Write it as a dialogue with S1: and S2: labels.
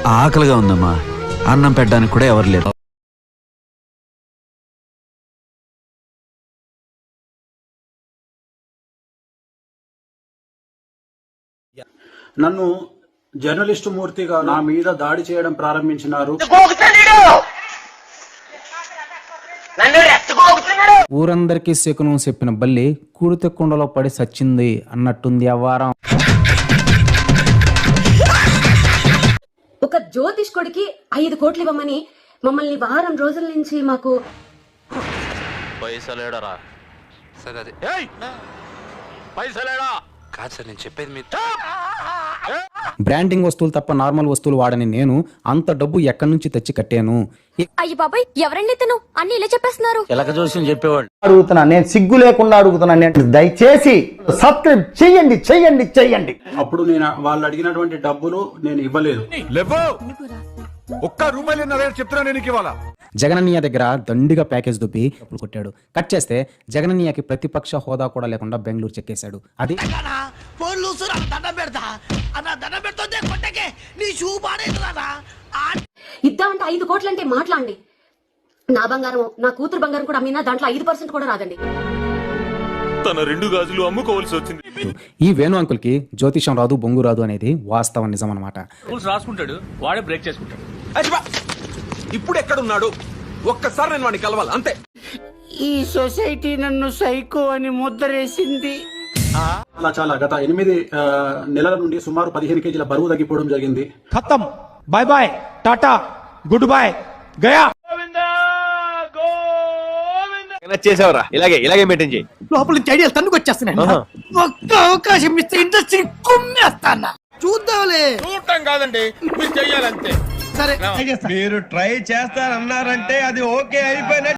S1: ఆకలిగా ఉందమ్మా, అన్నం పెట్టడానికి కూడా ఎవరు లేదు.
S2: నన్ను జర్నలిస్టు మూర్తిగా నా మీద దాడి చేయడం ప్రారంభించినారు.
S3: ఊరందరికీ శకునం చెప్పిన బల్లి కూడితే కుండలో పడి సచ్చింది అన్నట్టుంది ఆ వారం.
S4: ఒక జ్యోతిష్కుడికి 5 కోట్లు ఇవ్వమని మమ్మల్ని వారం రోజుల నుంచి మాకు
S5: పైసలేడరా సరే అది పైసలేడా కాదు సార్, నేను చెప్పేది మీ
S3: బ్రాండింగ్ వస్తువులు తప్ప నార్మల్ వస్తువులు వాడని నేను అంత డబ్బు ఎక్కడి నుంచి తెచ్చి కట్టాను?
S6: అయ్యి బాబాయ్, ఎవరండి తను అన్ని ఇలా చెప్పేస్తున్నారు?
S5: ఎలక చూసి చెప్పేవాళ్ళు
S7: అడుగుతున్నా, నేను సిగ్గు లేకుండా అడుగుతున్నా, నేను దయచేసి సబ్స్క్రైబ్ చెయ్యండి చెయ్యండి చెయ్యండి.
S2: అప్పుడు నేను వాళ్ళు అడిగినటువంటి డబ్బులు నేను ఇవ్వలేదు.
S3: జగనన్నయ్య దగ్గర దండిగా ప్యాకేజ్ దుబ్బి డబ్బులు కొట్టాడు. కట్ చేస్తే జగనన్నయ్యకి ప్రతిపక్ష హోదా కూడా లేకుండా బెంగళూరు చెక్కేశాడు. అది
S4: ఇద్దామంటే 5 కోట్లు అంటే మాట్లాడండి. నా బంగారం, నా కూతురు బంగారం కూడా అమ్మినా దాంట్లో 5% కూడా రాదండి.
S8: తన 2 గాజులు అమ్ముకోవాల్సి వచ్చింది.
S3: ఈ వేణు అంకుల్ కి జ్యోతిషం రాదు, బొంగు రాదు అనేది వాస్తవం, నిజం అన్నమాట.
S8: రాసుకుంటాడు, వాడే బ్రేక్ చేసుకుంటాడు.
S9: ఇప్పుడు ఎక్కడున్నాడు? ఒక్కసారి నేను వాడిని కలవాలి అంతే.
S10: ఈ సొసైటీ నన్ను సైకో అని ముద్రేసింది.
S2: చాలా గత 8 నెలల నుండి సుమారు 15 కేజీల బరువు తగ్గిపోవడం జరిగింది.
S10: ఖతం, bye bye, tata, good boy, గయా.
S9: చేసావరా? ఇలాగే మెయింటైన్ చేయి.
S10: లోపల నుంచి ఐడియాలు తన్నుకు వచ్చేస్తున్నాను. ఒక్క అవకాశం ఇస్తే ఇండస్ట్రీ కుమ్మేస్తానా? చూద్దాంలే.
S8: చూడటం కాదండి, మీరు చెయ్యాలంతే.
S10: సరే,
S9: మీరు ట్రై చేస్తారన్నారంటే అది ఓకే అయిపోయిన